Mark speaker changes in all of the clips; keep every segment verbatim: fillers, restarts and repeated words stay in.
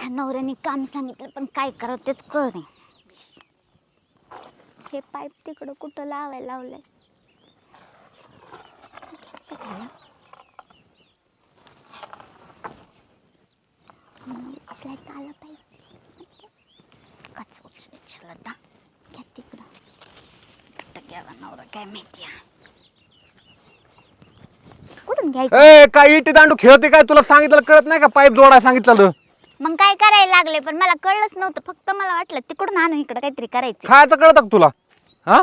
Speaker 1: नवऱ्याने काम सांगितलं पण काय करावं तेच कळत नाही. हे पाईप तिकडं कुठं लावायला लावलंय. घ्यायचं घ्यायला असला आला पाईप कच उचलायला दा घ्या तिकडं कुठं गेला नवरा काय माहिती. कुठून घ्यायचं?
Speaker 2: ए काय इटी दांडू खेळते काय? तुला सांगितलं कळत नाही का? पाईप जोडाय सांगितलं.
Speaker 1: मग काय करायला लागले पण मला कळलंच नव्हतं. फक्त मला वाटलं तिकडून आणून इकडं काहीतरी करायचं.
Speaker 2: खायचं कळत का तुला? हा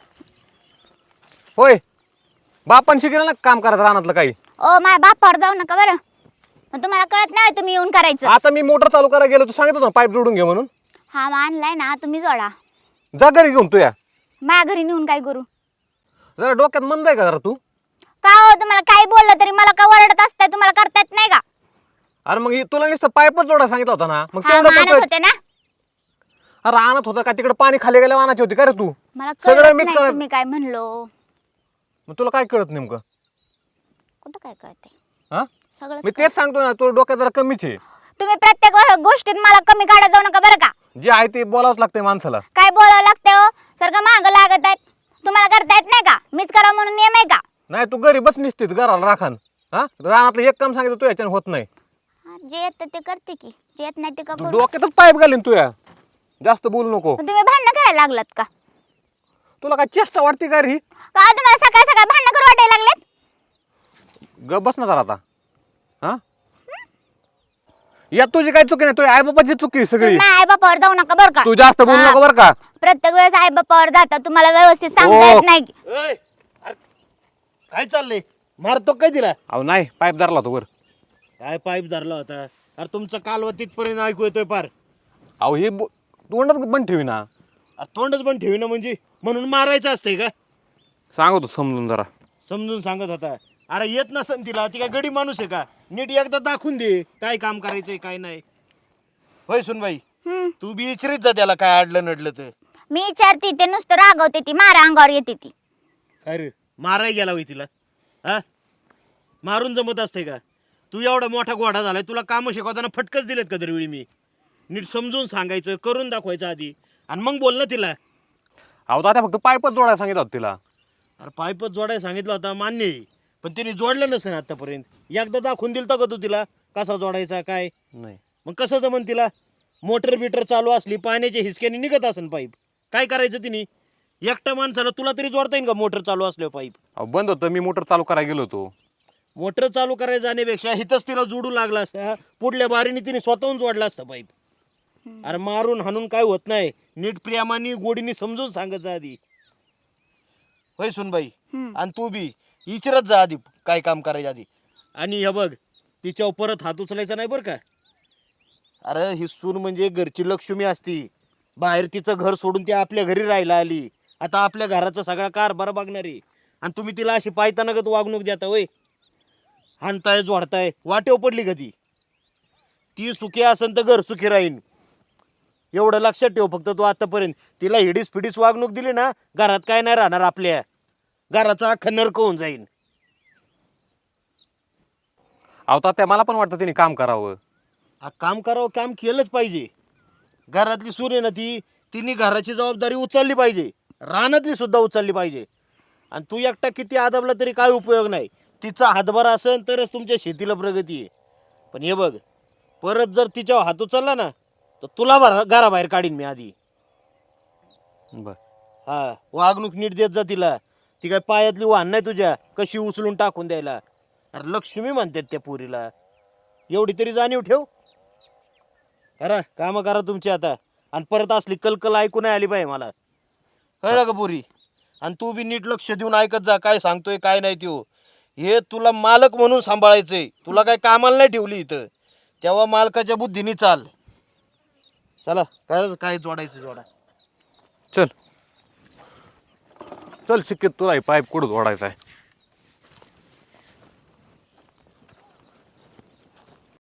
Speaker 2: होय बापान शिकलं ना काम करायचं रानातलं काही.
Speaker 1: ओ माझ्या बापावर जाऊ नका बरं. मग तुम्हाला कळत नाही तुम्ही येऊन करायचं.
Speaker 2: आता मी मोटर चालू करायला गेलो तू सांगितलं ना पाईप जोडून घे म्हणून.
Speaker 1: हा मग आणलाय ना तुम्ही जोडा.
Speaker 2: जा घरी घेऊन तू या.
Speaker 1: माझ्या घरी नेऊन काय करू?
Speaker 2: जरा डोक्यात मंद आहे का जरा तू?
Speaker 1: का हो तुम्हाला काही बोललं तरी मला का ओरडत असताय? तुम्हाला करता येत नाही का?
Speaker 2: अरे मग हे तुला नुसतं पाईपच जोडायला सांगितलं होता ना. मग
Speaker 1: हा
Speaker 2: तेवढं
Speaker 1: मग आणत
Speaker 2: करतोय.
Speaker 1: होते ना.
Speaker 2: अरे आणत होता का तिकडे पाणी खाली गेल्या आणायची होती का रे तू?
Speaker 1: मला
Speaker 2: सगळं
Speaker 1: कळत
Speaker 2: मिस
Speaker 1: नाही
Speaker 2: करत.
Speaker 1: तुम्ही काय म्हणलो.
Speaker 2: मग तुला काय कळत नेमकं?
Speaker 1: कुठं काय कळते?
Speaker 2: हा
Speaker 1: सगळं
Speaker 2: मी तेच सांगतो ना तुला डोक्यात जरा कमीच आहे.
Speaker 1: तुम्ही प्रत्येक व- गोष्टीत मला कमी काढत जाऊ नका बरं का.
Speaker 2: जे आहे ते बोलावंच लागतंय माणसाला.
Speaker 1: काय बोलावं लागतं हो? सारखं मागं लागत आहेत. तुम्हाला करता येत नाही का? मीच करा म्हणून नियम आहे का?
Speaker 2: नाही तू घरी बस निसतीत घराला राखान. हा रानातलं एक काम सांगितलं तू याच्याने होत नाही.
Speaker 1: हा, जे येतं ते करते की जे येत नाही ते का
Speaker 2: तू
Speaker 1: करू.
Speaker 2: डोक्यातच पाईप घालीन तू या. जास्त बोलू नको.
Speaker 1: मग तुम्ही भांडणं करायला लागलात का?
Speaker 2: तुला काय चेष्टा वाटते का रे?
Speaker 1: का तुम्हाला सकाळ सकाळ भांडणं करू वाटायला लागलेत?
Speaker 2: ग बस ना जरा आता. हा या तुझी काही चुकी नाही तुझ्या आई बापाची चुकी आहे सगळी.
Speaker 1: तुम्ही आई बापावर जाऊ नका बरं का.
Speaker 2: तू जास्त बोलू
Speaker 1: हा.
Speaker 2: नको बरं का.
Speaker 1: प्रत्येक वेळेस आई बापावर जाता तुम्हाला व्यवस्थित सांगता
Speaker 2: ओ.
Speaker 1: येत नाही.
Speaker 3: ओय, अरे काय चाललंय? मारतो काय तिला?
Speaker 2: अहो नाही पाईप धरला तो वर.
Speaker 3: काय पाईप धरला होता? अरे तुमचं कालवा तिथपर्यंत ऐकू येतोय पार.
Speaker 2: अहो हे बो- तोंडच बंद ठेवी ना.
Speaker 3: अरे तोंडच पण ठेवी ना म्हणजे म्हणून मारायचं असतंय का?
Speaker 2: सांगतो समजून जरा.
Speaker 3: समजून सांगत होता. अरे येत नसन तिला, ती काय गडी माणूस आहे का? नीट एकदा दाखवून दे काय काम करायचंय काय नाही. होय सुनबाई
Speaker 1: हम्म.
Speaker 3: तू बी इचरीत जा त्याला काय अडलं नडलं तर.
Speaker 1: मी विचारते ते नुसतं रागवते ती मारा अंगावर येते ती.
Speaker 3: अरे माराय गेला होय तिला? हा मारून जमत असते का? तू एवढा मोठा घोडा झालाय तुला कामं शिकवताना फटकच दिलेत का दरवेळी मी? नीट समजून सांगायचं करून दाखवायचं आधी आणि मग बोल ना तिला.
Speaker 2: अहो दादा फक्त पाईपच जोडायला सांगितलं होतं तिला.
Speaker 3: अरे पाईपच जोडायला सांगितलं होता मान्य आहे, पण तिने जोडलं नसेल आतापर्यंत. एकदा दाखवून दिलता का तू तिला कसा जोडायचा काय?
Speaker 2: नाही
Speaker 3: मग कसं जमन तिला? मोटर बिटर चालू असली पाण्याच्या हिसक्याने निघत असेल पाईप. काय करायचं तिने? एकट्या माणसाला तुला तरी जोडता येईल का मोटर चालू असल्यावर पाईप?
Speaker 2: अहो बंद होतं मी मोटर चालू करायला गेलो होतो.
Speaker 3: मोटर चालू करायला जाण्यापेक्षा हिथंच तिला जोडू लागला असता. पुढल्या बारीने तिने स्वतःहून जोडला असता पाईप. अरे मारून हाणून काय होत नाही. नीट प्रेमाने गोडीने समजून सांगायचं आधी. होय सुनबाई
Speaker 1: हम्म.
Speaker 3: आणि तू बी इचरत जा आधी काय काम करायचं आधी. आणि हे बघ तिच्यावर परत हात उचलायचा नाही बरं का. अरे ही सून म्हणजे घरची लक्ष्मी असती. बाहेर तिचं घर सोडून ती आपल्या घरी राहायला आली. आता आपल्या घराचा सगळा कारभार बघणारी आणि तुम्ही तिला अशी पायतानागत वागणूक देता होय. हाणताय जोडताय वाटेव पडली का ती? ती सुखी असेल तर घर सुखी राहीन एवढं लक्षात ठेव फक्त तू. आतापर्यंत तिला हिडीस फिडीस वागणूक दिली ना घरात काय नाही राहणार. आपल्या घराचा अख्खा नरक होऊन जाईल.
Speaker 2: अहो तात्या मला पण वाटतं तिने काम करावं.
Speaker 3: हा काम करावं काम केलंच पाहिजे. घरातली सून आहे ना ती तिने घराची जबाबदारी उचलली पाहिजे. रानातली सुद्धा उचलली पाहिजे. आणि तू एकटा किती आदाबला तरी काय उपयोग नाही. तिचा हातभार असेल तरच तुमच्या शेतीला प्रगती आहे. पण हे बघ परत जर तिच्यावर हात उचलला ना तर तुला भरा घराबाहेर काढीन मी आधी.
Speaker 2: बर
Speaker 3: हा वागणूक नीट देत जा तिला. ती काय पायातली वाहन नाही तुझ्या कशी उचलून टाकून द्यायला. अरे लक्ष्मी म्हणतात त्या पोरीला. एवढी तरी जाणीव ठेव. करा कामं करा तुमची आता. आणि परत असली कलकल ऐकू नाही आली पाहिजे मला. कळलं का पोरी? आणि तू बी नीट लक्ष देऊन ऐकत जा काय सांगतोय काय नाही त्यो. हे तुला मालक म्हणून सांभाळायचंय. तुला काय कामाला नाही ठेवली इथं. तेव्हा मालकाच्या बुद्धीने चाल. चला काय काय जोडायचं जोडा.
Speaker 2: चल चल शिकेत तुला पाईप कुठं जोडायचा आहे.